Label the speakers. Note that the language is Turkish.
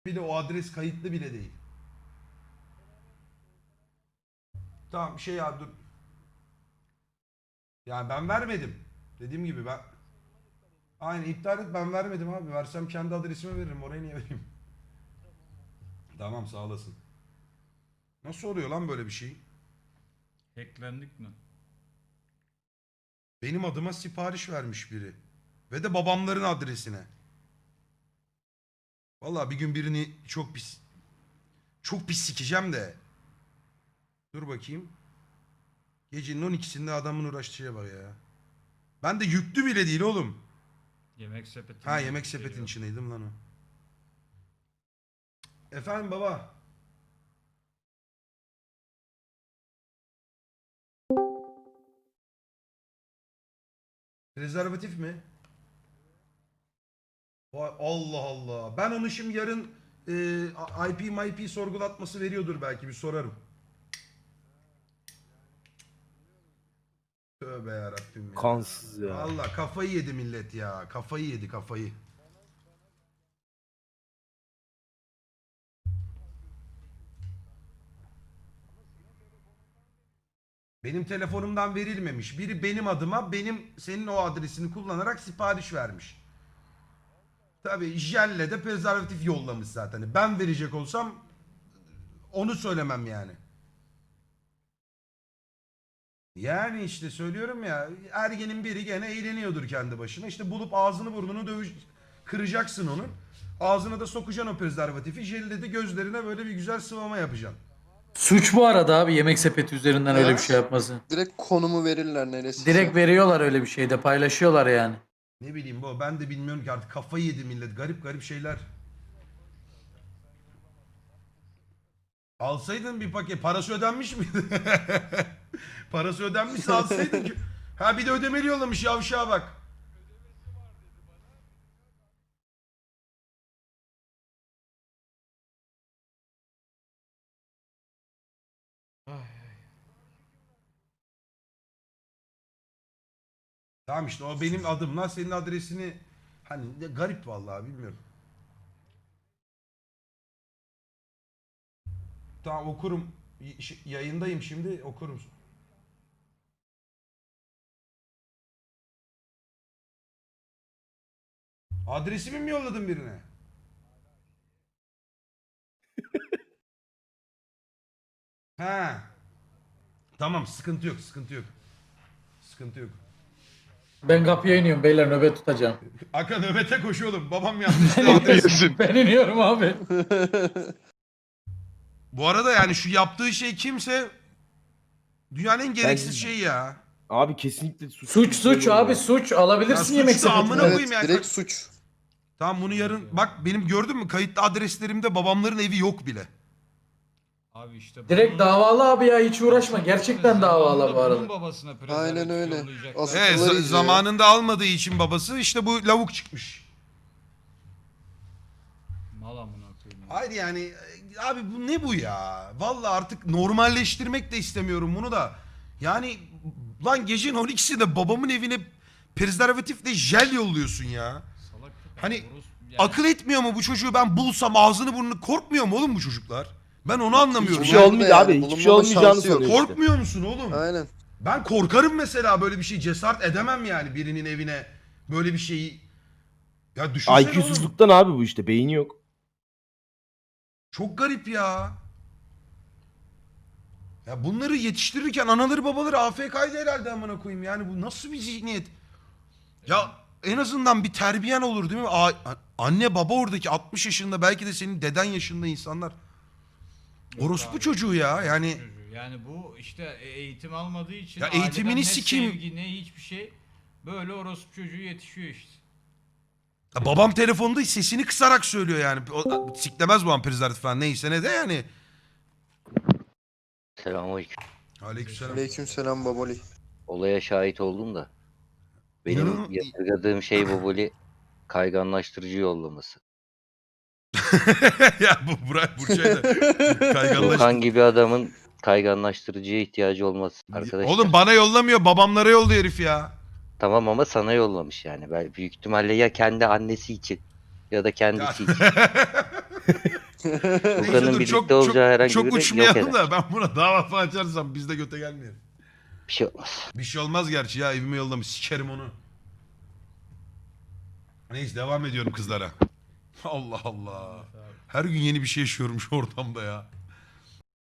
Speaker 1: bile o adres kayıtlı bile değil. Tamam şey ya dur. Yani ben vermedim. Dediğim gibi ben... Aynen iptal et, ben vermedim abi. Versem kendi adresime veririm. Oraya niye vereyim? Tamam sağ olasın. Nasıl oluyor lan böyle bir şey?
Speaker 2: Hacklendik mi?
Speaker 1: Benim adıma sipariş vermiş biri. Ve de babamların adresine. Vallahi bir gün birini çok pis sikeceğim de. Dur bakayım. Gecenin 12'sinde adamın uğraştığı bak ya. Ben de yüklü bile değil oğlum.
Speaker 2: Yemek sepeti.
Speaker 1: Ha yemek sepetin içindeydim lan o. Efendim baba. Rezervatif mi? Vay Allah Allah. Ben onu şimdi yarın IP sorgulatması veriyordur belki, bir sorarım. Tövbe yarabbim ya.
Speaker 3: Kansız ya.
Speaker 1: Allah kafayı yedi millet ya. Kafayı yedi kafayı. Benim telefonumdan verilmemiş. Biri benim adıma senin o adresini kullanarak sipariş vermiş. Tabii jelle de prezervatif yollamış zaten. Ben verecek olsam onu söylemem yani. Yani işte söylüyorum ya, ergenin biri gene eğleniyordur kendi başına. İşte bulup ağzını burnunu kıracaksın onun. Ağzına da sokacaksın o prezervatifi. Jelle de gözlerine böyle bir güzel sıvama yapacaksın.
Speaker 4: Suç bu arada abi, yemek sepeti üzerinden öyle bir şey yapması.
Speaker 5: Direkt konumu verirler neresi.
Speaker 4: Direkt veriyorlar, öyle bir şeyde paylaşıyorlar yani.
Speaker 1: Ne bileyim bu, ben de bilmiyorum ki artık, kafayı yedi millet. Garip garip şeyler. Alsaydın bir paket. Parası ödenmiş miydi? Parası ödenmişse alsaydın ki. Ha bir de ödemeli yollamış, yavşağa bak. Tamam işte o benim adımla senin adresini, hani garip vallahi bilmiyorum. Tamam okurum. Yayındayım şimdi, okurum. Adresimi mi yolladın birine? Ha. Tamam sıkıntı yok, sıkıntı yok. Sıkıntı yok.
Speaker 4: Ben kapıya iniyorum beyler, nöbet tutacağım.
Speaker 1: Aka nöbete koş oğlum. Babam yanlışlıkla adresi.
Speaker 4: Ben iniyorum abi.
Speaker 1: Bu arada yani şu yaptığı şey kimse dünyanın en gereksiz
Speaker 3: Bence-
Speaker 1: şeyi ya.
Speaker 3: Abi kesinlikle suç.
Speaker 4: Suç abi, suç. Alabilirsin
Speaker 1: Ya
Speaker 4: yemek
Speaker 1: suç da amına
Speaker 4: sepetinden.
Speaker 1: koyayım
Speaker 5: Evet
Speaker 1: yani.
Speaker 5: direkt suç.
Speaker 1: Tamam bunu yarın bak, benim gördün mü kayıtlı adreslerimde babamların evi yok bile.
Speaker 2: Abi işte
Speaker 4: Direkt davalı abi ya, hiç uğraşma. Gerçekten davalı bu
Speaker 2: Bunun
Speaker 4: arada.
Speaker 2: babasına
Speaker 5: Aynen öyle.
Speaker 2: yollayacaklar.
Speaker 5: Asıl-
Speaker 1: Evet
Speaker 5: Sıkıları izliyor.
Speaker 1: zamanında almadığı için babası işte bu lavuk çıkmış.
Speaker 2: Mal amına koyayım.
Speaker 1: Hayır yani abi bu ne bu ya? Vallahi artık normalleştirmek de istemiyorum bunu da. Yani lan gecenin 12'sinde babamın evine prezervatifle jel yolluyorsun ya.
Speaker 2: Salak köpek,
Speaker 1: Hani
Speaker 2: yani
Speaker 1: akıl etmiyor mu bu çocuğu, ben bulsam ağzını burnunu, korkmuyor mu oğlum bu çocuklar? Ben onu anlamıyorum.
Speaker 3: Hiçbir şey
Speaker 1: ya.
Speaker 3: olmayacak
Speaker 5: Yani
Speaker 3: abi. Hiçbir şey
Speaker 5: bulunmama
Speaker 3: olmayacağını
Speaker 5: şansı yok.
Speaker 3: sanıyor işte.
Speaker 1: Korkmuyor musun oğlum?
Speaker 5: Aynen.
Speaker 1: Ben korkarım mesela, böyle bir şey cesaret edemem yani, birinin evine böyle bir şeyi. Ya düşünsene oğlum.
Speaker 3: IQ'suzluktan abi bu işte. Beyni yok.
Speaker 1: Çok garip ya. Ya bunları yetiştirirken anaları babaları AFK'ydı herhalde amına koyayım. Yani bu nasıl bir zihniyet? Ya en azından bir terbiyen olur değil mi? Anne baba oradaki 60 yaşında, belki de senin deden yaşında insanlar. Orospu
Speaker 2: abi,
Speaker 1: çocuğu ya yani.
Speaker 2: çocuğu. Yani bu işte eğitim almadığı için
Speaker 1: Ya
Speaker 2: aileden
Speaker 1: eğitimini
Speaker 2: ne
Speaker 1: sikeyim.
Speaker 2: sevgi ne hiçbir şey, böyle orospu çocuğu yetişiyor işte.
Speaker 1: Ya babam telefonda sesini kısarak söylüyor yani. Siklemez bu an prezervatif falan, neyse ne de yani.
Speaker 6: Selamünaleyküm.
Speaker 1: Aleykümselam.
Speaker 5: Aleykümselam baboli.
Speaker 6: Olaya şahit oldum da. Benim
Speaker 1: İnanın-
Speaker 6: yadırgadığım şey baboli kayganlaştırıcı yollaması.
Speaker 1: Ya bu Burçay da kayganlaştı.
Speaker 6: Volkan gibi adamın kayganlaştırıcıya ihtiyacı olması arkadaşlar.
Speaker 1: Oğlum bana yollamıyor, babamlara yolluyor herif ya.
Speaker 6: Tamam ama sana yollamış yani. Ben büyük ihtimalle ya kendi annesi için ya da kendisi için.
Speaker 1: Neyse
Speaker 6: Furkan'ın
Speaker 1: dur,
Speaker 6: birlikte olacağı herhangi
Speaker 1: çok
Speaker 6: biri yok
Speaker 1: uçmayalım
Speaker 6: eder.
Speaker 1: da ben buna dava falan açarsam biz de göte gelmeyelim.
Speaker 6: Bir şey olmaz.
Speaker 1: Bir şey olmaz gerçi ya, evime yollamış, sikerim onu. Neyse devam ediyorum kızlara. Allah Allah. Her gün yeni bir şey yaşıyorum şu ortamda ya.